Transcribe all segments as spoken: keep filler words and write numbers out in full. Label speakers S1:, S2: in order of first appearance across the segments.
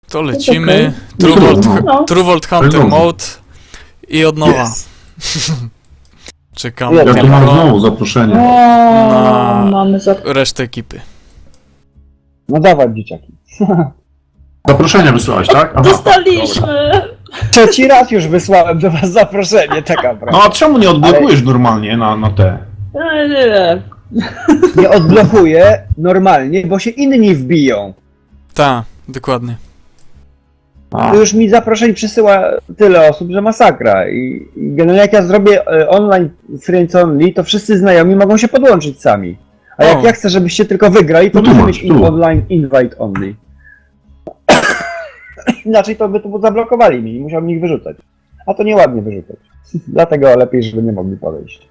S1: To lecimy.
S2: Okay.
S1: True Vault,
S2: No.
S1: True Vault Hunter Mode i od nowa.
S3: Yes.
S1: Czekam
S2: Ja
S3: Ja tu
S1: tylko
S3: mam znowu zaproszenie.
S2: O,
S1: Na-
S2: mamy za...
S1: resztę ekipy.
S4: No dawaj, dzieciaki.
S3: Zaproszenie wysłałeś, tak? Aha.
S2: Dostaliśmy!
S4: Trzeci raz już wysłałem do was zaproszenie, taka
S3: No
S4: prawda.
S3: a czemu nie odblokujesz normalnie na, na te?
S2: Nie, nie, nie.
S4: Nie odblokuję normalnie, bo się inni wbiją.
S1: Tak, dokładnie.
S3: A,
S4: To już mi zaproszeń przysyła tyle osób, że masakra. I, i generalnie jak ja zrobię e, online friends only, to wszyscy znajomi mogą się podłączyć sami. A jak
S1: O.
S4: ja chcę, żebyście tylko wygrali, to
S3: No tu
S4: muszę
S3: masz,
S4: mieć in
S3: tu.
S4: online invite only. Inaczej to by to zablokowali mi i musiałbym ich wyrzucać. A to nieładnie wyrzucać. Dlatego lepiej, żeby nie mogli podejść.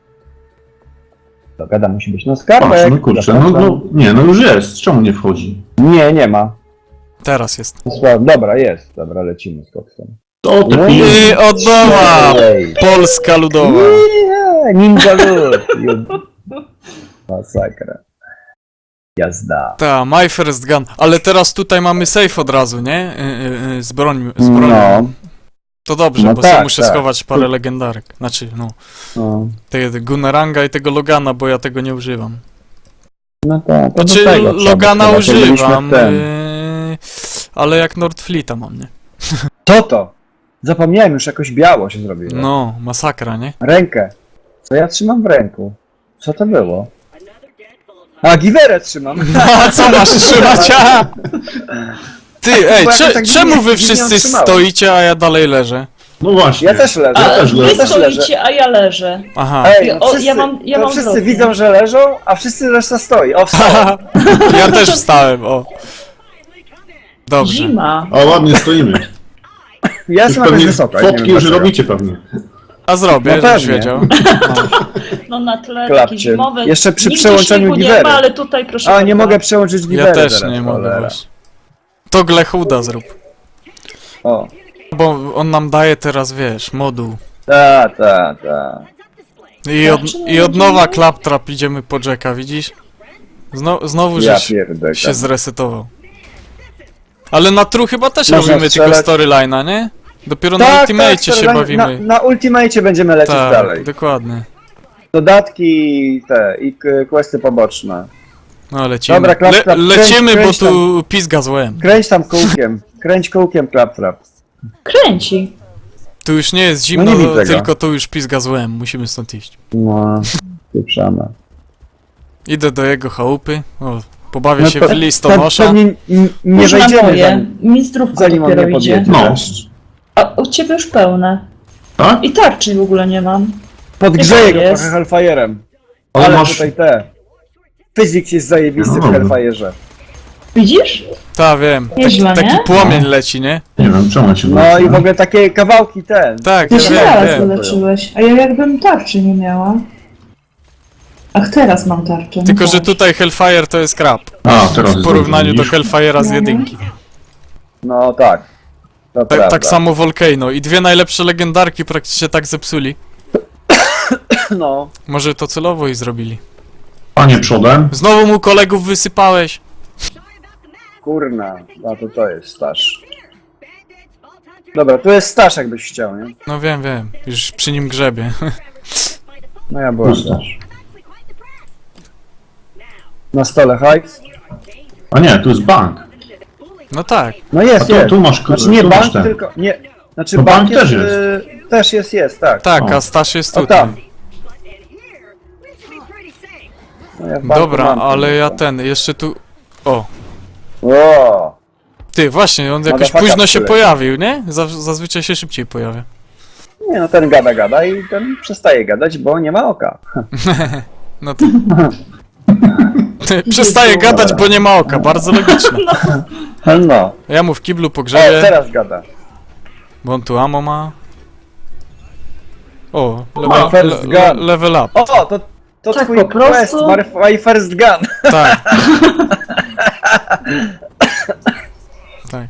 S4: To gada musi być. No
S3: patrz,
S4: skarbek.
S3: no kurczę, no,
S4: zapraszam.
S3: no nie, no już jest. Czemu nie wchodzi?
S4: Nie, nie ma.
S1: Teraz jest.
S4: Sła- Dobra, jest. Dobra, lecimy z koksem.
S3: To te
S4: No
S3: pi...
S1: I od nowa!
S4: Ej.
S1: Polska ludowa.
S4: Nie, Ninja Lud. Ju- Masakra. Jazda.
S1: Ta, my first gun. Ale teraz tutaj mamy safe od razu, nie? Yy, yy, z broń, z bronią.
S4: No,
S1: To dobrze,
S4: No
S1: bo
S4: tak,
S1: sobie muszę
S4: tak.
S1: schować parę legendarek. Znaczy, no,
S4: no.
S1: tego Guneranga i tego Logana, bo ja tego nie używam.
S4: No tak. to do
S1: Znaczy,
S4: tego trzeba
S1: Logana
S4: schować, jak byliśmy
S1: używam,
S4: w ten.
S1: yy, ale jak Nordfleeta mam, nie?
S4: Co to? Zapomniałem, już jakoś biało się zrobiło.
S1: No, masakra, nie?
S4: Rękę. Co ja trzymam w ręku? Co to było? A, giwerę trzymam.
S1: A co masz trzymać? A? Ty, ej,
S4: Bo ja
S1: cze,
S4: tak
S1: czemu
S4: dziwnie-
S1: wy
S4: dziwnie
S1: wszyscy
S4: trzymałem.
S1: stoicie, a ja dalej leżę?
S3: No właśnie.
S4: Ja też leżę.
S2: A,
S3: też
S2: wy
S3: leżę.
S4: też leżę.
S2: stoicie, a ja leżę.
S1: Aha.
S4: Ej, no
S2: O,
S4: wszyscy,
S2: ja mam- ja
S4: to
S2: mam
S4: wszyscy
S2: wrotnie.
S4: widzą, że leżą, a wszyscy reszta stoi. O, wstał.
S1: Ja też wstałem, o. Dobrze.
S2: Zima.
S3: A ładnie stoimy.
S4: Ja
S3: Już
S4: jestem jakoś
S3: pewnie
S4: wysoka. nie
S3: fotki
S4: wiem
S3: już
S4: dlaczego.
S3: robicie pewnie.
S1: A zrobię,
S4: No
S1: żebyś
S4: pewnie.
S1: wiedział.
S2: No na tle
S4: Klapcie.
S2: takie zimowe.
S4: Jeszcze przy
S2: Nigdzie
S4: przełączeniu
S2: śniegu nie
S4: giwery.
S2: ma, ale tutaj proszę
S4: A,
S2: bardzo.
S4: nie mogę przełączyć giwery
S1: Ja też
S4: teraz,
S1: nie mogę
S4: cholera.
S1: właśnie. To Glechuda zrób.
S4: O,
S1: Bo on nam daje teraz, wiesz, moduł.
S4: ta, ta, ta.
S1: I od, i od nowa Claptrap idziemy po Jacka, widzisz? Zno, znowu
S4: Ja
S1: żeś
S4: pierdolę.
S1: się zresetował. Ale na True chyba też
S4: Można
S1: robimy tylko
S4: strzelać.
S1: storyline'a, nie? Dopiero
S4: Tak,
S1: na
S4: tak,
S1: Ultimate się
S4: na,
S1: bawimy.
S4: Na, na Ultimate będziemy lecieć
S1: Tak,
S4: dalej.
S1: dokładnie.
S4: Dodatki te i k- questy poboczne.
S1: No lecimy.
S4: Dobra, Claptrap,
S1: Le, lecimy,
S4: kręć,
S1: bo
S4: kręć
S1: tu pizga złem.
S4: Kręć tam kółkiem. Kręć kółkiem, Claptrap.
S2: Kręci.
S1: Tu już nie jest zimno,
S4: nie widzę go.
S1: tylko tu już pizga złem. Musimy stąd iść.
S4: No, pieprzamy.
S1: Idę do jego chałupy. O, pobawię
S4: No
S1: się
S4: to-
S1: w listonosza.
S4: Pewnie n- nie
S2: Już na
S4: wejdziemy
S2: moje.
S4: zanim,
S2: Mistrówka
S4: zanim on
S2: dopiero
S4: nie
S2: idzie.
S4: podjedzie.
S3: No.
S2: A u ciebie już pełne.
S3: Tak?
S2: I tarczy w ogóle nie mam.
S4: Podgrzeję go
S2: jest.
S4: trochę Hellfire'em.
S3: Ale
S4: Ale
S3: masz...
S4: tutaj te. Physics jest zajebisty
S3: No
S4: w
S3: dobra.
S4: Hellfire'ze.
S2: Widzisz?
S1: Ta, wiem.
S2: Nieźle,
S1: Taki
S2: nie?
S1: płomień leci, nie?
S3: Nie wiem, czemu ja się
S4: No
S3: wrócę.
S4: i w ogóle takie kawałki ten.
S1: Tak,
S2: Ty
S1: ja
S2: się
S1: wiem,
S2: teraz
S1: wiem.
S2: wyleczyłeś, a ja jakbym tarczy nie miała. Ach, teraz mam tarczę. no
S1: Tylko, że
S2: tak.
S1: tutaj Hellfire to jest krab.
S3: A, teraz
S1: W porównaniu do
S3: widzisz?
S1: Hellfire'a z
S2: No.
S1: jedynki.
S4: No tak. To
S1: Tak,
S4: prawda.
S1: tak samo Volcano. I dwie najlepsze legendarki praktycznie tak zepsuli.
S4: No.
S1: Może to celowo i zrobili.
S3: Panie przodem.
S1: Znowu mu kolegów wysypałeś.
S4: Kurna. A to to jest staż. Dobra, tu jest staż jakbyś chciał, nie?
S1: No wiem, wiem. Już przy nim grzebie.
S4: No ja byłem
S3: Pusto.
S4: też. Na stole hajs?
S3: A nie, tu jest bank.
S1: No tak.
S4: No
S3: A
S4: jest,
S3: tu,
S4: jest.
S3: tu masz...
S4: Znaczy nie
S3: tu masz
S4: bank,
S3: ten.
S4: tylko... Nie. Znaczy
S3: No
S4: bank,
S3: bank
S4: jest,
S3: też jest.
S4: y, też jest, jest, tak.
S1: Tak,
S3: O.
S1: a Stasz jest
S4: O
S1: tutaj.
S4: tam. No, ja w banku
S1: Dobra,
S4: mam
S1: ale ja
S4: tylko.
S1: ten, jeszcze tu... O,
S4: O,
S1: ty, właśnie, on jakoś
S4: Motherfucker
S1: późno się
S4: przyleciał.
S1: pojawił, nie? Zaz- Zazwyczaj się szybciej pojawia.
S4: nie no ten gada gada i ten przestaje gadać, bo nie ma oka.
S1: No to... Ty, przestaje gadać, bo nie ma oka, bardzo logiczne.
S4: No.
S1: Ja mu w kiblu
S4: O,
S1: pogrzebie,
S4: teraz gada.
S1: bo on tu ammo ma. O,
S4: Ma
S1: level,
S4: first
S1: le, le,
S4: gun.
S1: level up,
S4: O, to, to
S2: Tak
S4: twój
S2: po prostu?
S4: quest, my first gun.
S1: tak. Tak.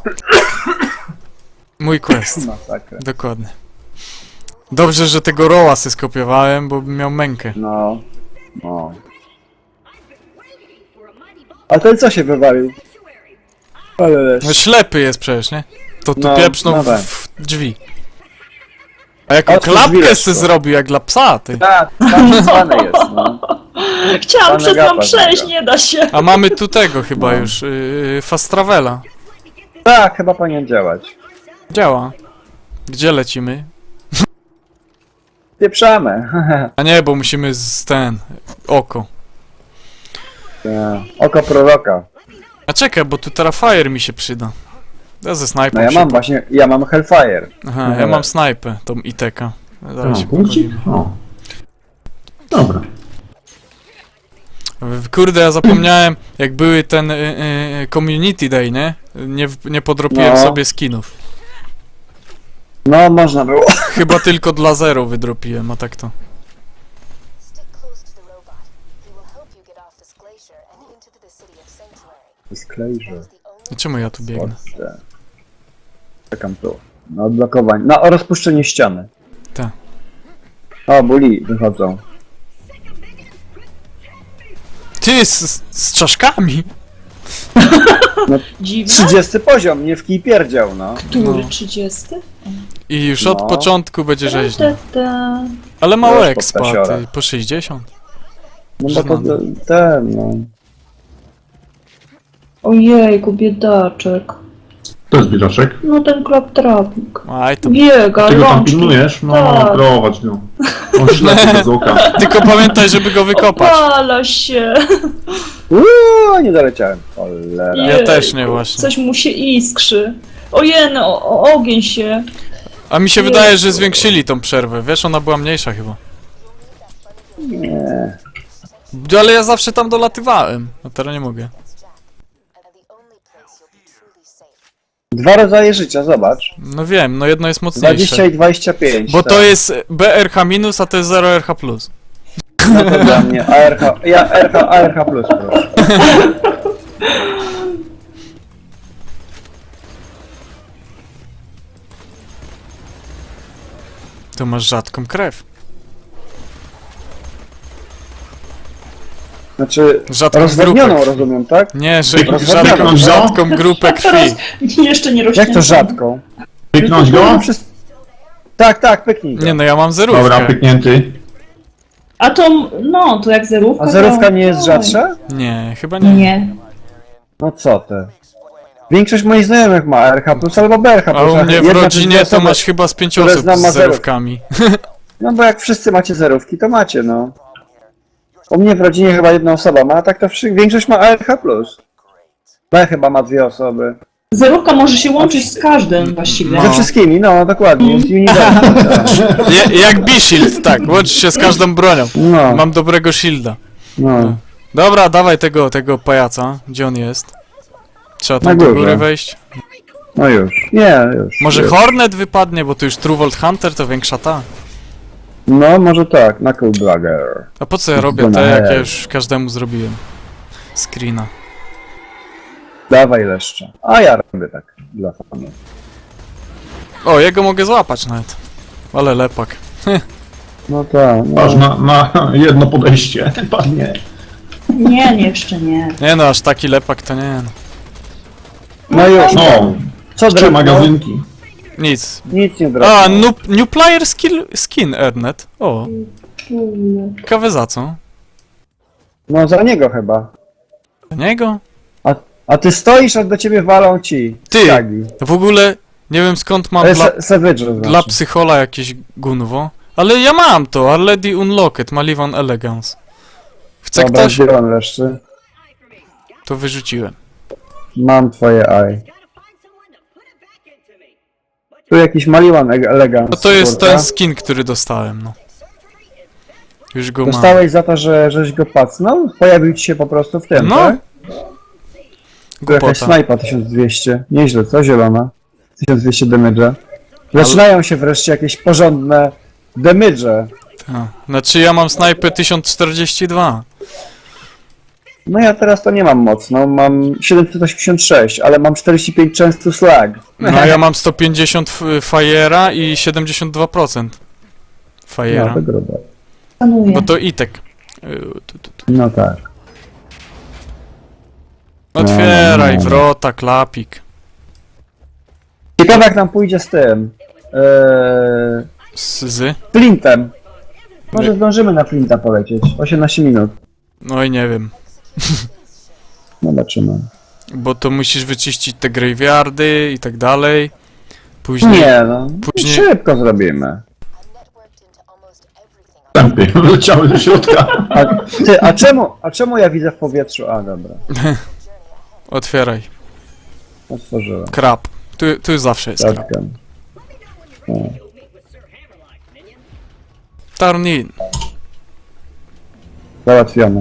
S1: Mój quest,
S4: Masakra.
S1: dokładnie. Dobrze, że tego roła se skopiowałem, bo bym miał mękę.
S4: No. No. A ten co się wywalił? Ale
S1: No ślepy jest przecież, nie? To tu
S4: No,
S1: pieprznął
S4: no
S1: w,
S4: tak.
S1: w drzwi. A jaką
S4: Otwórz
S1: klapkę
S4: drzwi,
S1: se
S4: Leszko.
S1: zrobił, jak dla psa, ty.
S4: tak, tam zwane jest, no.
S2: Chciałam
S4: Pana
S2: przez tam
S4: gapa
S2: przejść,
S4: zbiega.
S2: nie da się.
S1: A mamy tu tego chyba
S4: No.
S1: już, yy, Fast Travela.
S4: Tak, chyba powinien działać.
S1: Działa. Gdzie lecimy?
S4: Pieprzamy.
S1: A nie, bo musimy z ten... oko.
S4: Oko proroka.
S1: A czekaj, bo tu Terrafire mi się przyda. Ja ze snajpą
S4: No ja
S1: się
S4: mam
S1: po-
S4: właśnie, ja mam Hellfire.
S1: Aha, ja mam snajpę, tą Iteka. Zaraz
S3: O,
S1: się
S3: punkcik?
S1: pochwalimy.
S3: O. Dobra.
S1: W- Kurde, ja zapomniałem, jak były ten y, y, Community Day, nie? Nie, w- nie podropiłem
S4: No.
S1: sobie skinów.
S4: No, można było.
S1: Chyba tylko dla zero wydropiłem, a tak to.
S5: Stick close to the robot. He will help you get off this glacier and into the city of Sanctuary.
S4: Disclosure.
S5: That is the only
S1: A czemu ja tu biegnę?
S4: Polsce. Czekam tu. Na odblokowanie. Na o rozpuszczenie ściany.
S1: Tak.
S4: O, buli wychodzą.
S1: Ty, z, z czaszkami!
S2: Dziwne?
S4: trzydziesty poziom, nie w kij pierdział, no.
S2: Który?
S1: No.
S2: trzydziesty?
S1: I już od
S4: No.
S1: początku będzie rzeźnie.
S2: Ta, ta.
S1: Ale mało
S4: Już
S1: expa,
S4: podtasiora.
S1: ty, po sześćdziesiąt.
S4: No bo to
S1: Żenada.
S4: ten, no.
S2: Ojejku, biedaczek.
S3: To jest biedaczek.
S2: No ten klaptrawnik.
S1: Aj, to...
S2: Biega,
S3: Ty go tam
S2: rączki.
S3: pilnujesz? No,
S2: Tak.
S3: prowadź go. On ślepy bez oka.
S1: Tylko pamiętaj, żeby go wykopać.
S2: Opala się.
S4: Uuu, nie doleciałem. Cholera.
S1: Ja też nie, właśnie.
S2: Coś mu się iskrzy. Ojej, o, o, ogień się.
S1: A mi się wydaje, że zwiększyli tą przerwę. Wiesz, ona była mniejsza chyba.
S4: Nie.
S1: Ale ja zawsze tam dolatywałem. A teraz nie mogę.
S5: and the only place you'll be truly safe.
S4: Dwa rodzaje życia, zobacz.
S1: No wiem, no jedno jest mocniejsze.
S4: dwadzieścia i dwadzieścia pięć.
S1: Bo
S4: tak.
S1: to jest B R H minus, a to jest zero R H plus.
S4: No to dla mnie A R H, ja R H, A R H plus, proszę.
S1: To masz rzadką krew.
S4: Znaczy,
S1: Rzadką
S4: rozwodnioną
S1: grupę.
S4: rozumiem, tak?
S1: Nie, że
S4: Rozwodnioną.
S1: rzadką,
S3: No.
S1: rzadką grupę krwi.
S2: Jeszcze nie rośnie.
S4: Jak to rzadką?
S3: Pyknąć go?
S4: No, wszyscy- Tak, tak, pyknij go.
S1: Nie no, ja mam zerówkę.
S3: Dobra, pyknięty.
S2: A to, no, to jak zerówka.
S4: A zerówka
S2: to...
S4: nie jest rzadsza?
S1: Nie, chyba nie.
S2: Nie.
S4: No co ty? Większość moich znajomych ma A R H plus albo B R H
S1: A
S4: plus.
S1: u mnie w
S4: Jedna czy dwie
S1: rodzinie to
S4: osoby-
S1: masz chyba z pięć
S4: które
S1: osób
S4: znam
S1: z
S4: ma zero.
S1: zerówkami.
S4: No bo jak wszyscy macie zerówki, to macie, no. U mnie w rodzinie chyba jedna osoba ma, a tak to wszy- większość ma A R H plus. B chyba ma dwie osoby.
S2: Zerówka może się łączyć z każdym właściwie.
S1: No.
S4: Ze wszystkimi, no dokładnie, jest uniwersum. tak.
S1: Je, jak B-Shield, tak, łącz się z każdą bronią.
S4: No,
S1: Mam dobrego shielda.
S4: no.
S1: Dobra, dawaj tego, tego pajaca. Gdzie on jest? Trzeba
S4: Na
S1: tam do
S4: górze.
S1: góry wejść.
S4: No już. Nie, już.
S1: Może
S4: już.
S1: Hornet wypadnie, bo to już Truvolt Hunter to większa ta.
S4: No, może tak, Knuckleblagger.
S1: A po co ja robię te, jak ja już każdemu zrobiłem? Screena.
S4: Dawaj leszcze. A ja robię tak, dla fanu.
S1: O, jego mogę złapać nawet. Ale lepak.
S4: No tak,
S3: Aż
S4: no.
S3: na, na jedno podejście. Padnie.
S2: Nie, nie, jeszcze nie.
S1: Nie no, aż taki lepak to nie no.
S4: No już,
S3: No,
S4: co
S3: trzy
S4: drewno?
S3: magazynki.
S1: Nic.
S4: Nic nie drewno.
S1: A, new, new player skill, skin Erdnet. O, ciekawe za co?
S4: No za niego chyba.
S1: Za niego?
S4: A, a ty stoisz, a do ciebie walą ci.
S1: Ty!
S4: Skagi.
S1: W ogóle nie wiem skąd mam
S4: To
S1: dla,
S4: jest Savage znaczy.
S1: dla psychola jakieś gunwo. Ale ja mam to, already unlocked, Malivan Elegance. Chce
S4: Dobra,
S1: ktoś?
S4: zbieram leszcze.
S1: To wyrzuciłem.
S4: Mam twoje eye. Tu jakiś Maliwan Elegance.
S1: No to jest
S4: kurka.
S1: ten skin, który dostałem, no. Już go mam.
S4: Dostałeś za to, że żeś go pacnął? Pojawił ci się po prostu w tym,
S1: No.
S4: tak? Tu jakaś
S1: Głupota.
S4: snajpa tysiąc dwieście. Nieźle, co? Zielona. tysiąc dwieście damage'a. Zaczynają się wreszcie jakieś porządne damage'e.
S1: Ta. Znaczy ja mam snajpę tysiąc czterdzieści dwa.
S4: No ja teraz to nie mam mocno, mam siedemset osiemdziesiąt sześć, ale mam czterdzieści pięć często slag.
S1: No a ja mam sto pięćdziesiąt f- Fire'a i siedemdziesiąt dwa procent
S4: No
S1: Fire'a.
S4: to grube.
S2: Szanuję.
S1: Bo to itek. Y, tu, tu, tu.
S4: No tak.
S1: Otwieraj wrota, klapik.
S4: Ciekawe jak nam pójdzie z tym. Eee,
S1: Z, z?
S4: Flintem. Może
S1: Nie.
S4: zdążymy na Flinta polecieć. osiemnaście minut.
S1: No i nie wiem.
S4: Zobaczymy.
S1: Bo to musisz wyczyścić te graveyardy i tak dalej. Później...
S4: Nie no,
S1: Później-
S4: szybko zrobimy.
S5: I'm networked into almost everything on
S3: Tępy, wleciały do środka.
S4: A, ty, a czemu, a czemu ja widzę w powietrzu? A dobra,
S1: Otwieraj.
S4: otworzyłem.
S1: Krab. Tu, tu zawsze jest krab.
S4: Zatkę.
S1: Turn in.
S4: Załatwione.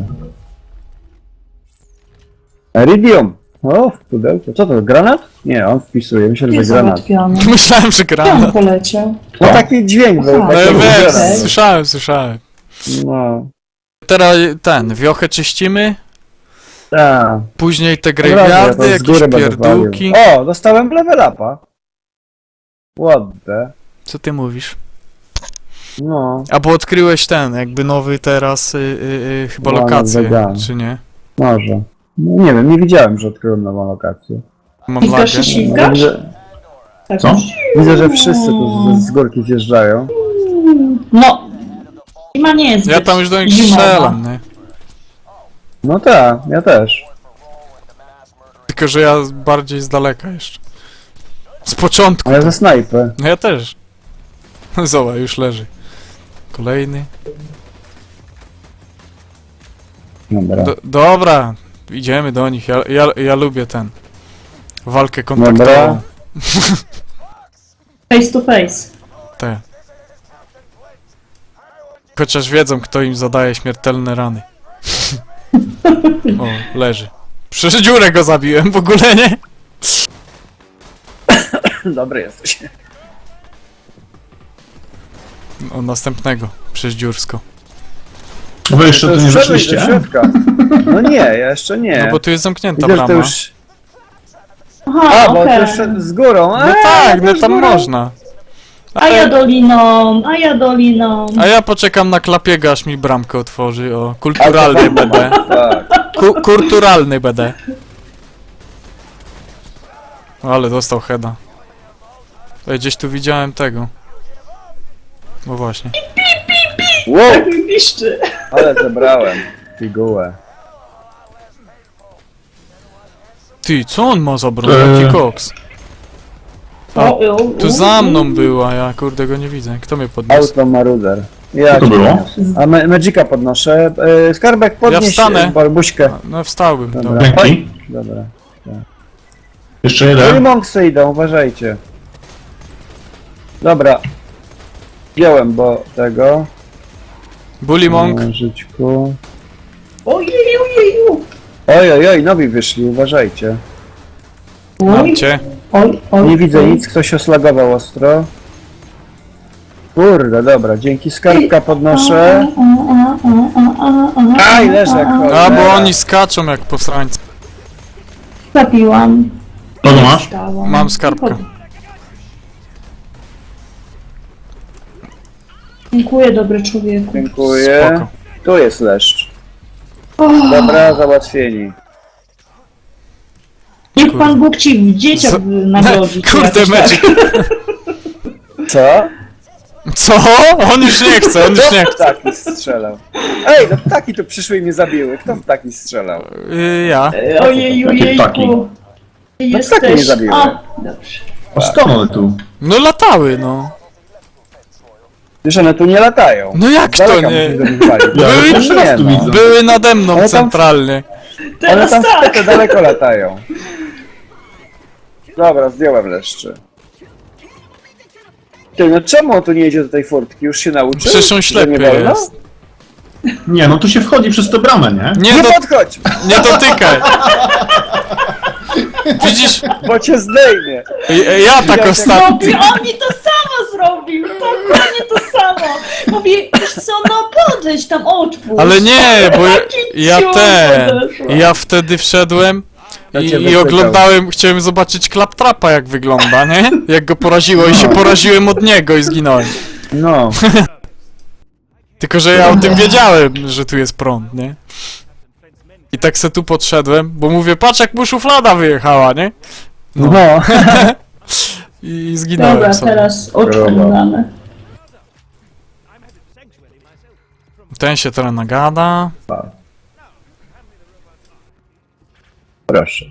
S4: Iridium! O, w pudełku. Co to, granat? Nie, on wpisuje, myślę, że
S2: Jest
S4: granat.
S2: załatwiony.
S1: Myślałem, że
S2: Gdzie on
S1: granat.
S2: poleciał?
S4: No taki dźwięk był.
S2: Aha.
S1: No
S4: taki
S1: ja
S4: był
S1: wiem,
S4: granat.
S1: słyszałem, słyszałem.
S4: No,
S1: Teraz ten, wiochę czyścimy,
S4: tak.
S1: później te
S4: Od razu,
S1: graveyardy,
S4: ja to z
S1: jakieś
S4: góry będę
S1: pierdółki.
S4: walił. O, dostałem level upa. Ładne.
S1: Co ty mówisz?
S4: No,
S1: Albo odkryłeś ten, jakby nowy teraz, y, y, y, chyba
S4: No,
S1: lokację,
S4: vegan.
S1: czy nie?
S4: może. No, nie wiem, nie widziałem, że odkryłem nową lokację.
S1: Mam
S2: Ślizgasz
S1: lagę.
S2: się, ślizgasz?
S4: Widzę,
S2: Tak.
S3: Co?
S4: widzę, że wszyscy tu z, z górki zjeżdżają.
S2: No. Zima nie jest
S1: Ja
S2: zbyt
S1: tam już do nich
S2: zimowa.
S1: strzelam, nie?
S4: No tak, ja też.
S1: Tylko, że ja bardziej z daleka jeszcze. Z początku.
S4: Ale ze snajpy.
S1: No ja też. Zobacz, już leży. Kolejny.
S4: Dobra.
S1: Do, dobra, idziemy do nich. Ja, ja, ja lubię ten. Walkę
S4: Dobra.
S1: kontaktową.
S2: Face to face.
S1: Te. Chociaż wiedzą, kto im zadaje śmiertelne rany. O, leży. Przez dziurę go zabiłem w ogóle, nie?
S4: Dobry jesteś.
S1: O, następnego. Przez dziursko.
S3: Wy jeszcze tu nie
S4: Wszedłeś do
S3: weszliście?
S4: środka. No nie, ja jeszcze nie.
S1: No bo tu jest zamknięta
S4: Widzę, że
S1: brama.
S4: to już...
S2: Aha,
S4: A, bo
S2: okej.
S4: to już z górą.
S1: No
S4: A,
S1: tak,
S4: to
S1: no
S4: już
S1: tam
S4: górą.
S1: można.
S2: A ja doliną, a ja doliną.
S1: A ja poczekam na klapiego, aż mi bramkę otworzy. O, kulturalny B D.
S4: Tak.
S1: Ku kulturalny B D. O, ale dostał heada. Ej, gdzieś tu widziałem tego. No właśnie.
S4: Wow,
S2: Tak mi piszczy.
S4: ale zebrałem figułę.
S1: Ty, co on ma za broń?
S3: Eee.
S1: Jaki koks?
S2: O, o,
S1: Tu
S2: o,
S1: za
S2: o.
S1: mną była, ja kurde go nie widzę. Kto mnie podniósł?
S4: Auto Maruder. Ja
S3: Co to
S4: cię
S3: było?
S4: podniosę. A ma Magica podnoszę. E, skarbek podnieś
S1: wstanę.
S4: e, barbuśkę.
S1: No wstałbym,
S4: Dobra.
S1: dobra.
S3: Dzięki.
S4: Dobra.
S3: Jeszcze
S4: Holy
S3: jeden.
S4: Monksy idą, uważajcie. Dobra. Wziąłem, bo tego.
S1: Bully Monk.
S4: Żyćku.
S2: Ojej, ojej,
S4: Oj, oj, oj, nowi wyszli, uważajcie.
S2: oj.
S1: Mam cię.
S2: Oj, oj,
S4: Nie widzę
S2: oj.
S4: nic, ktoś oslagował ostro. Kurde, dobra, dzięki skarbka podnoszę.
S2: A, a, a, a, a, a,
S4: Aj, leżę jak
S2: a, a.
S4: cholera.
S1: A, bo oni skaczą jak posrańcy.
S2: Zabiłam.
S3: Kogo masz?
S2: Dostałam.
S1: Mam skarbkę.
S2: Dziękuję, dobry człowieku.
S4: Dziękuję.
S1: Spoko.
S4: Tu jest leszcz.
S2: O,
S4: Dobra, załatwieni.
S2: niech Pan Bóg ci w dzieciach
S1: Co?
S2: nagrodzi. czy
S1: Kurde,
S2: jakoś
S1: Magic.
S4: Co?
S1: Co? On już nie chce, on już nie
S4: Kto
S1: chce.
S4: ptaki strzelał? Ej, no ptaki tu przyszły i mnie zabiły. Kto ptaki strzelał?
S1: Y, ja.
S2: tak. Ojej,
S3: Jakie ptaki?
S2: ojejku.
S4: No ptaki mnie zabiły.
S2: A, dobrze.
S3: A skąd one tu?
S1: No latały, no.
S4: Wiesz, one tu nie latają.
S1: No jak
S4: Z
S1: to
S4: daleka
S1: nie?
S4: musimy do nich walić.
S3: Ja
S1: Były-
S3: pierwszy raz tu
S4: Nie, no.
S3: widzę.
S1: Były nade mną
S4: Ale tam-
S1: centralnie.
S4: One
S2: Teraz
S4: tam
S2: tak.
S4: te daleko latają. Dobra, zdjąłem leszcze. Ty, no czemu on tu nie jedzie do tej furtki? Już się nauczył?
S1: Przecież on
S4: Że
S1: ślepy
S4: nie wolno?
S1: jest.
S3: Nie, no tu się wchodzi przez tę bramę, nie?
S1: Nie,
S4: Nie
S1: do,
S4: podchodź,
S1: nie dotykaj. Widzisz?
S4: bo cię zdejmie.
S1: Ja, ja tak
S4: Ja
S1: ostatnio.
S2: Mówi, on mi to samo zrobił, dokładnie to samo. Mówi, wiesz co, no podejdź tam, otwórz.
S1: Ale nie, bo ja, ja
S2: Ciu,
S1: ten.
S2: podeszła.
S1: Ja wtedy wszedłem
S4: Ja
S1: i,
S4: cię
S1: i
S4: wypytał.
S1: oglądałem, chciałem zobaczyć Claptrapa jak wygląda, nie? Jak go poraziło i się poraziłem od niego i zginąłem.
S4: No.
S1: Tylko, że ja o tym wiedziałem, że tu jest prąd, nie? I tak se tu podszedłem, bo mówię, patrz jak mu szuflada wyjechała, nie?
S4: No.
S1: No. I zginąłem
S2: Dobra,
S1: sobie.
S2: teraz oczy
S4: Dobra.
S2: damy.
S1: Ten się teraz nagada.
S4: Proszę.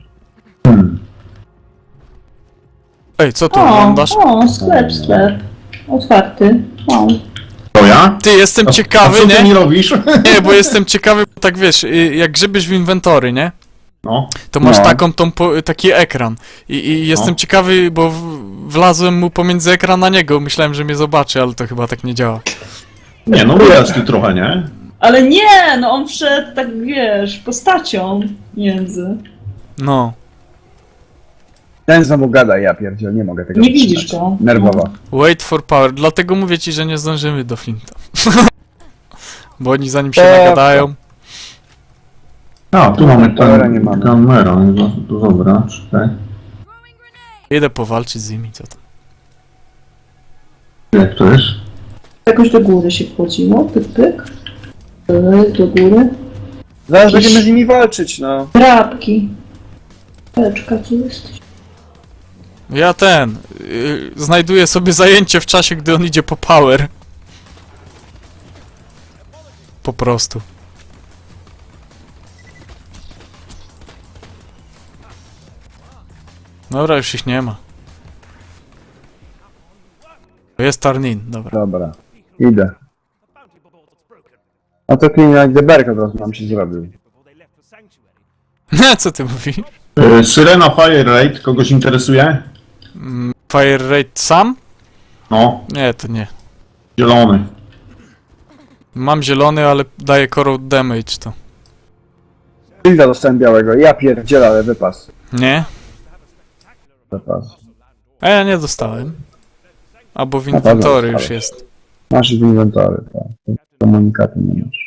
S1: Ej, co tu
S2: O,
S1: oglądasz?
S2: o, sklep, sklep. Otwarty. O.
S3: To ja?
S1: Ty, jestem
S3: A
S1: ciekawy,
S3: co ty mi
S1: nie?
S3: robisz?
S1: Nie, bo jestem ciekawy, bo tak wiesz, y, jak grzebiesz w inwentory, nie?
S3: No.
S1: To masz
S4: No.
S1: taką, tą, po- taki ekran. I, i jestem
S3: No.
S1: ciekawy, bo w, wlazłem mu pomiędzy ekran na niego. Myślałem, że mnie zobaczy, ale to chyba tak nie działa.
S3: Nie, no widać tu trochę, nie?
S2: Ale nie, no on wszedł tak, wiesz, postacią między.
S1: No.
S4: Ten znowu gada, ja pierdziel, nie mogę tego
S2: Nie
S4: wytrzymać.
S2: widzisz go.
S4: Nerwowo.
S1: Wait for power. Dlatego mówię ci, że nie zdążymy do Flinta. Bo oni zanim się
S4: O,
S1: nagadają.
S3: A, tu mamy
S4: Kamera
S3: ten,
S4: nie mamy.
S3: kamera, no to dobra, czekaj.
S1: Idę powalczyć z nimi, co tam.
S3: Jak to jest?
S2: Jakoś do góry się wchodziło, pyk, pyk. Pyk, do góry.
S4: Zaraz będziemy z nimi walczyć, no.
S2: Drapki. Peczka, co jesteś?
S1: Ja ten. Yy, znajduję sobie zajęcie w czasie, gdy on idzie po power. Po prostu. Dobra, już ich nie ma. Jest Tarnin, dobra.
S4: Dobra, idę. A to clean like the berg od razu nam się zrobił.
S1: Co ty mówisz?
S3: Yy, Syrena Fire Raid, kogoś interesuje?
S1: Mm, Fire Rate sam?
S3: No,
S1: Nie, to nie.
S3: zielony.
S1: Mam zielony, ale daje corrode damage to.
S4: Hilda dostałem białego, ja pierdzielę, ale wypas.
S1: Nie?
S4: Wypas.
S1: A ja nie dostałem. Albo w
S4: pewno
S1: inwentory już
S4: dostałeś.
S1: jest.
S4: Masz w inwentory, tak. Komunikaty nie masz.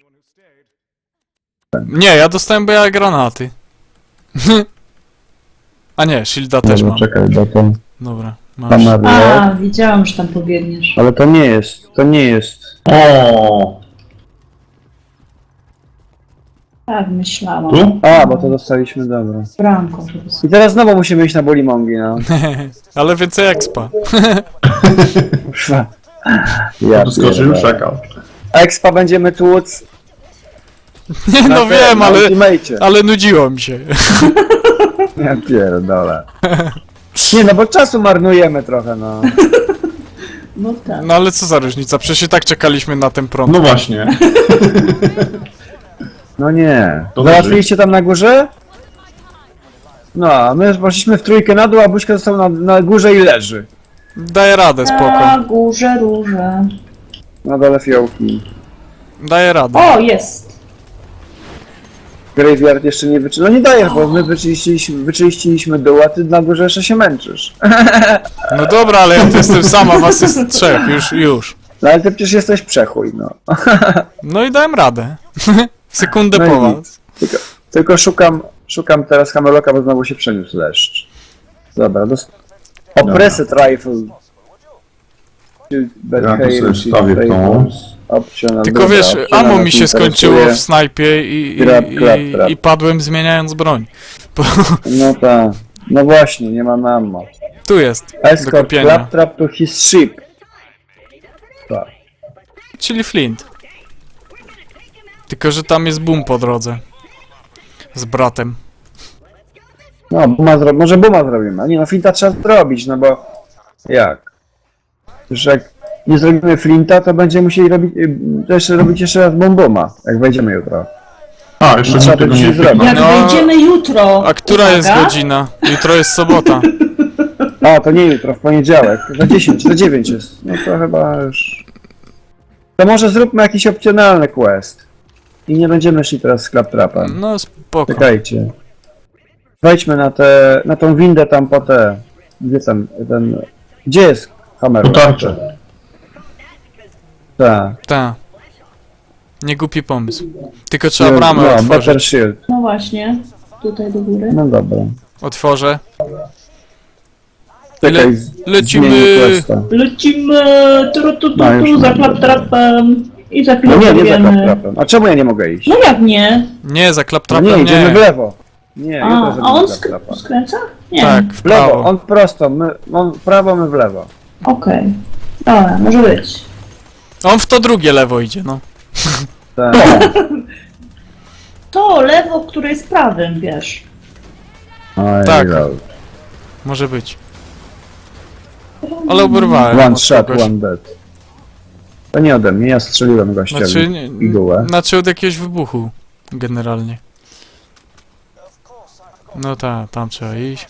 S1: Nie, ja dostałem, bo ja granaty. A nie, shielda też
S4: Dobra,
S1: mam.
S4: czekaj, bo to
S1: Dobra, masz.
S4: kamery.
S2: A, widziałam, że tam pobiegniesz.
S4: Ale to nie jest, to nie jest.
S3: O,
S2: Tak, myślałam.
S3: tu?
S4: A, bo to dostaliśmy, dobra.
S2: Branko, żeby
S4: I teraz znowu musimy iść na Bulimongi, no.
S1: Ale więcej expa.
S4: Kurwa. Ja
S3: Tu skoczył,
S4: pierdolę.
S3: czekał.
S4: Expa będziemy tłuc.
S1: Nie,
S4: na
S1: no
S4: te-
S1: wiem,
S4: na
S1: ale,
S4: Ultimate'cie.
S1: ale nudziło mi się.
S4: Ja pierdolę. Nie no, bo czasu marnujemy trochę, no.
S2: No tak.
S1: No ale co za różnica, przecież i tak czekaliśmy na ten prąd.
S3: No właśnie.
S4: No nie.
S3: To
S4: Załatwiliście tam na górze? No, a my poszliśmy w trójkę na dół, a Buźka został na, na górze i leży.
S1: Daję radę,
S2: Na
S1: spoko.
S2: górze róże.
S4: Na dole fiołki.
S1: Daję radę.
S2: O, jest!
S4: Graveyard jeszcze nie wyczy... No nie dajesz, bo my wyczyściliśmy, wyczyściliśmy dół, a ty na górze jeszcze się męczysz.
S1: No dobra, ale ja tu jestem sama, was jest trzech, już, już.
S4: No ale ty przecież jesteś przechuj, no.
S1: No i dałem radę. Sekundę
S4: No i
S1: po
S4: nic.
S1: was.
S4: Tylko, tylko szukam, szukam teraz Hameloka, bo znowu się przeniósł leszcz. Dobra, dost... Oppressed Rifle.
S3: Ja tu sobie wstawię tą.
S4: Optional,
S1: Tylko
S4: dobra,
S1: wiesz,
S4: optional
S1: ammo mi
S4: nas
S1: się skończyło
S4: interesuje.
S1: w snajpie i, i,
S4: Trap, trap,
S1: i,
S4: trap.
S1: i padłem zmieniając broń. Bo,
S4: No tak. No właśnie, nie mamy ammo.
S1: tu jest, do
S4: Escort
S1: kupienia.
S4: Claptrap to his ship. Tak.
S1: Czyli Flint. Tylko, że tam jest boom po drodze. Z bratem.
S4: No, buma zro... może buma zrobimy. A nie, no Flinta trzeba zrobić, no bo... Jak? Już jak nie zrobimy Flinta, to będziemy musieli robić... y, jeszcze robić jeszcze raz bomboma, jak wejdziemy jutro.
S3: A, jeszcze
S4: No, trzeba
S3: mi tego
S4: to
S3: nie
S4: dzisiaj zrobić.
S2: Jak
S1: No,
S2: wejdziemy jutro.
S1: A która
S2: uwaga,
S1: jest godzina? Jutro jest sobota.
S4: A, to nie jutro, w poniedziałek. Za dziesięć, za dziewięć jest. No to chyba już... To może zróbmy jakiś opcjonalny quest. I nie będziemy szli teraz z Claptrapem.
S1: No spoko.
S4: Czekajcie. Wejdźmy na tę, na tą windę tam po te... Gdzie tam, ten... Gdzie jest Hammer?
S3: Po tarczę.
S4: Tak.
S1: Ta. Nie głupi pomysł. Tylko trzeba bramę
S4: no, Better
S1: otworzyć.
S4: Shield.
S2: No właśnie, tutaj do góry.
S4: No dobra.
S1: Otworzę.
S4: Czekaj,
S1: Le-
S4: z-
S1: lecimy.
S4: zmienię questa.
S2: Lecimy! Tu, tu, tu,
S4: No, już
S2: tu, za
S4: mam.
S2: klaptrapem. i za chwilę
S4: No nie, nie za
S2: powiemy.
S4: klaptrapem. A czemu ja nie mogę iść?
S2: No jak nie?
S1: Nie, za
S4: No
S1: klaptrapem
S4: nie, idziemy w
S1: nie.
S4: lewo. Nie,
S2: A,
S4: jutro
S2: a
S4: zrobimy
S2: on
S4: klaptrapa.
S2: sk- skręca? Nie.
S1: Tak, w
S4: W lewo,
S1: prawo.
S4: on prosto, my, on w prawo, my w lewo.
S2: Okej. Dobra, może być.
S1: On w to drugie lewo idzie, no.
S4: Tak.
S2: To lewo, które jest prawym, wiesz.
S4: Oj,
S1: Tak.
S4: lol.
S1: Może być. Ale oberwałem.
S4: One
S1: od
S4: shot,
S1: kogoś.
S4: one dead. To nie ode mnie, ja strzeliłem gościowi.
S1: Znaczy, nie,
S4: Igułę.
S1: znaczy od jakiegoś wybuchu. Generalnie. No tak, tam trzeba iść.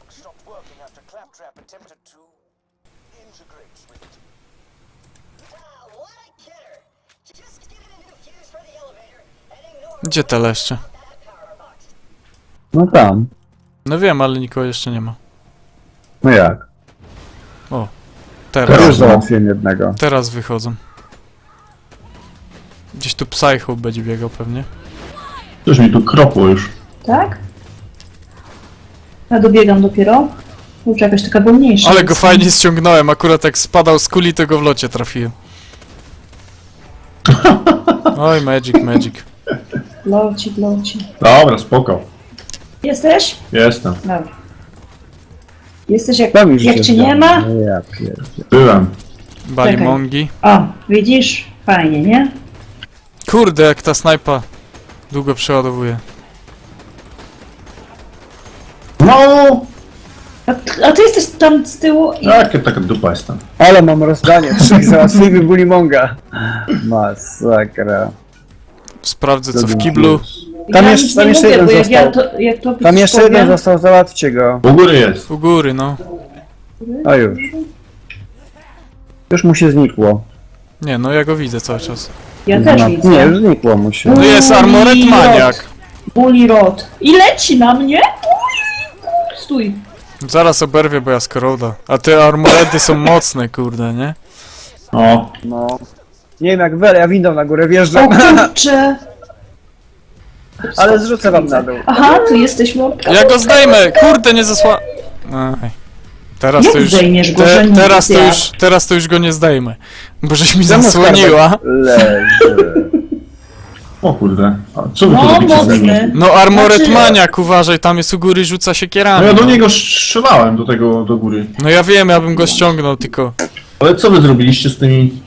S1: Gdzie te leszcze?
S4: No tam.
S1: No wiem, ale nikogo jeszcze nie ma.
S4: No jak? To
S1: Teraz.
S4: już załatwiłem jednego.
S1: Teraz wychodzą. Gdzieś tu Psycho będzie biegał pewnie.
S3: Coś mi tu kropło już.
S2: Tak? Ja dobiegam dopiero. Kurczę, jakaś taka wolniejsza.
S1: Ale go
S2: jest.
S1: fajnie ściągnąłem, akurat jak spadał z kuli, to go w locie trafiłem. Oj, magic, magic.
S2: Locik, locik.
S3: Dobra, spoko.
S2: Jesteś?
S3: Jestem.
S2: Dobra. Jesteś jak,
S4: Tam już
S2: jak
S4: się
S2: cię nie
S4: zgadza.
S2: ma?
S4: No ja pierdzie.
S3: Byłem.
S1: Balimongi.
S2: O, widzisz? Fajnie, nie?
S1: Kurde, jak ta snajpa długo przeładowuje.
S3: No!
S2: A, t- a ty jesteś tam z tyłu i...
S3: Jakie taka dupa jestem.
S4: Ale mam rozdanie, trzech załatwimy Bulimonga. Masakra.
S1: Sprawdzę co w
S4: Dobra.
S1: kiblu.
S4: Tam
S2: ja
S4: jeszcze-
S2: nic
S4: tam
S2: nie
S4: jeszcze
S2: mówię,
S4: jeden
S2: bo jak ja
S4: został.
S2: to, jak to
S4: Tam jeszcze
S2: powiem-
S4: jeden został, załatwcie go.
S3: U góry jest.
S1: U góry, no.
S4: O już. Już mu się znikło.
S1: Nie, no ja go widzę cały czas.
S2: Ja też
S4: No,
S2: widzę.
S4: nie, już znikło mu się.
S1: No jest Armored
S2: Bully
S1: Maniak.
S2: Rod. Bully Rod. I leci na mnie? Stój.
S1: Zaraz oberwie, bo ja skoroda. A te armoredy są mocne, kurde, nie?
S3: O.
S4: No. Nie wiem jak wy, ale ja windą na górę
S2: O
S4: wjeżdżam,
S2: kurcze.
S4: ale zrzucę wam na dół.
S2: Aha, tu jesteś mordka.
S1: Ja go zdejmę! Kurde, nie zasła... Aj. Teraz
S2: Jak
S1: to już...
S2: zdejmiesz go, że
S1: Te,
S2: nie
S1: teraz, to
S2: jak?
S1: już teraz to już go nie zdejmę. Bo żeś mi
S4: Czemu
S1: zasłoniła.
S4: skarbek Leży.
S3: O kurde. A co wy tu
S2: No,
S3: robicie ze mną?
S2: mocny.
S1: No Armored
S2: Znaczy-
S1: Maniak, uważaj, tam jest u góry, rzuca się
S3: No
S1: kierami.
S3: ja do niego strzelałem, do tego, do góry.
S1: No ja wiem, ja bym go ściągnął, tylko...
S3: Ale co wy zrobiliście z tymi...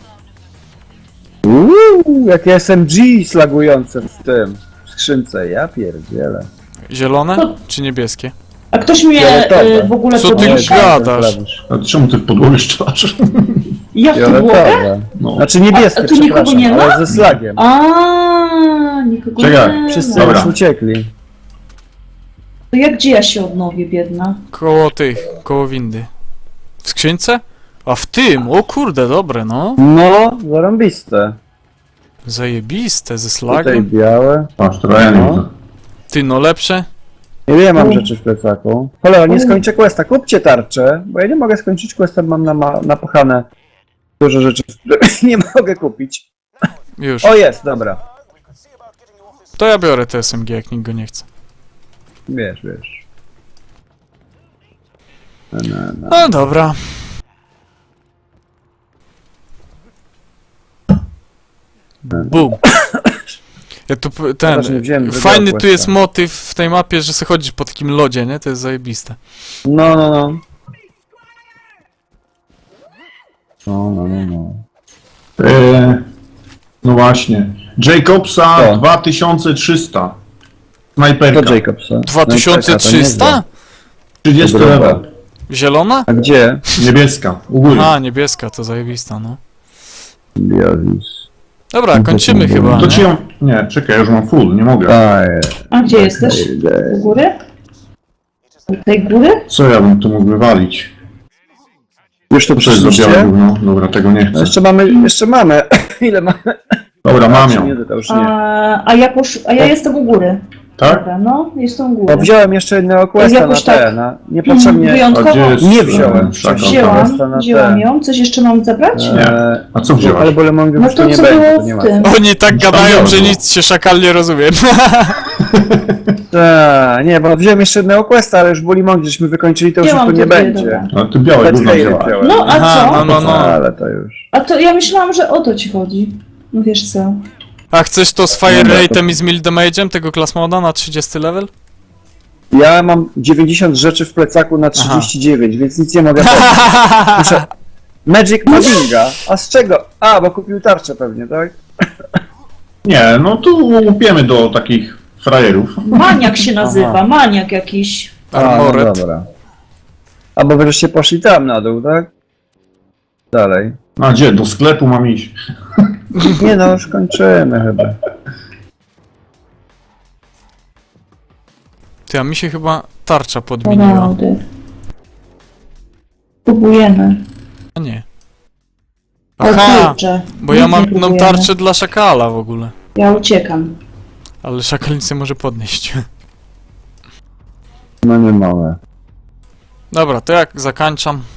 S4: Uuu, jakie S M G slagujące w tym. W skrzynce, ja pierdzielę.
S1: Zielone?
S2: No.
S1: Czy niebieskie?
S2: A ktoś mnie
S4: Fioletowe.
S2: y, w ogóle
S1: Co ty
S2: podniesie?
S1: gadasz?
S3: A czemu ty w podłogę strzelasz?
S2: Ja w podłogę?
S4: Fioletowe.
S3: No.
S4: Znaczy niebieskie,
S2: A- a tu nikogo
S4: przepraszam,
S2: nie ma?
S4: ale ze slagiem.
S2: A, nikogo
S3: Czekaj,
S2: nie
S4: Wszyscy
S2: ma.
S3: Dobra.
S4: już uciekli.
S2: To jak gdzie ja się odnowię, biedna?
S1: Koło tych, koło windy. W skrzynce? A w tym, o kurde, dobre, no.
S4: No, zarąbiste.
S1: Zajebiste, ze
S4: Tutaj
S1: slagiem.
S4: białe.
S3: Patrz, to ja nie
S4: No.
S3: widzę.
S1: Ty, no lepsze.
S4: Nie wiem, mam
S2: U.
S4: rzeczy w plecaku. Cholera, nie skończę questa. Kupcie tarczę, bo ja nie mogę skończyć questa, mam na, napachane dużo rzeczy, które nie mogę kupić.
S1: Już.
S4: O, jest, dobra.
S1: To ja biorę te S M G, jak nikt go nie chce.
S4: Wiesz, wiesz. No, no, no.
S1: No dobra. Bum. Ja tu p- ten.
S4: Też nie wziąłem drugiego
S1: Fajny tu
S4: questa.
S1: jest motyw w tej mapie, że sobie chodzisz po takim lodzie, nie? To jest zajebiste.
S4: No, no, no. No, no, no, no.
S3: Eee, no właśnie. Jacobsa
S4: O.
S3: dwa tysiące trzysta.
S4: To
S3: Snajperka.
S4: Jacobsa.
S1: dwa tysiące trzysta?
S3: trzydziesty
S4: Dobra.
S3: level.
S1: Zielona?
S4: A gdzie?
S3: Niebieska. U góry.
S1: A, niebieska, to zajebista, no.
S4: Biozis.
S1: Dobra, kończymy
S4: to-
S1: chyba,
S3: To ci
S1: nie?
S3: ją... Nie, czekaj, ja już mam full, nie mogę.
S4: Aj,
S2: A gdzie jesteś? U góry? U tej góry?
S3: Co ja bym tu mógł wywalić?
S4: Już to
S3: Co to jest za białe
S4: przyszliście?
S3: gówno? Dobra, tego nie
S4: No
S3: chcę.
S4: jeszcze mamy, jeszcze mamy. Ile mamy?
S3: Dobra, mam
S4: Czy
S3: ją.
S4: Nie, to już nie.
S2: A, a ja posz... a ja jestem u góry.
S3: Tak?
S2: Dobra, no, jestem u
S4: Bo
S2: góry.
S4: wziąłem jeszcze jednego questa na
S2: Jakoś
S4: te,
S2: tak-
S4: na niepotrzebnie.
S3: A
S2: Wyjątkowo
S3: gdzie jest...
S4: Nie wziąłem.
S3: e, szakal?
S2: wzięłam,
S4: Questa na
S2: wzięłam
S4: te.
S2: ją. Coś jeszcze mam zabrać?
S3: Nie.
S4: Eee,
S3: A co wziąłeś?
S4: ale bolemongów
S2: No
S4: już tu
S2: to
S4: nie
S2: co
S4: będzie,
S2: było
S4: to nie
S2: w
S4: ma.
S2: tym?
S1: Oni tak gadają, że nic się szakal nie rozumie.
S4: Ta, nie, bo wziąłem jeszcze jednego questa, ale już bolemong żeśmy wykończyli, to już
S2: Wzięłam
S4: tu nie
S2: te dwie,
S4: będzie.
S2: dobra.
S3: No ty białe
S4: Let's
S3: gówno
S4: Gale
S3: wzięłaś.
S4: wziąłem.
S2: No, a
S1: Aha,
S2: co?
S1: no, no, no.
S4: Ale to już.
S2: A to ja myślałam, że o to ci chodzi. No wiesz co?
S1: A chcesz to z fire
S4: Dobra, to-
S1: rate'em i z mill damage'em tego class moda na trzydziesty level?
S4: Ja mam dziewięćdziesiąt rzeczy w plecaku na trzydzieści dziewięć, więc nic nie mogę powiedzieć. Muszę... Magic Puddinga. A z czego? A, bo kupił tarczę pewnie, tak?
S3: Nie, no tu łupiemy do takich frajerów.
S2: Maniak się nazywa,
S4: Aha.
S2: maniak jakiś.
S4: A, no
S1: Armored.
S4: dobra. A bo wreszcie poszli tam na dół, tak? Dalej.
S3: A gdzie? Do sklepu mam iść.
S4: Nie no, już kończymy chyba.
S1: Ty, a mi się chyba tarcza podmieniła.
S2: Raudy. Próbujemy.
S1: A nie.
S2: O
S1: Aha,
S2: kurczę,
S1: bo ja
S2: nic
S1: mam
S2: nie
S1: tą
S2: próbujemy.
S1: tarczę dla szakala w ogóle.
S2: Ja uciekam.
S1: Ale szakal nic nie może podnieść.
S4: No nie mogę.
S1: Dobra, to jak zakończam.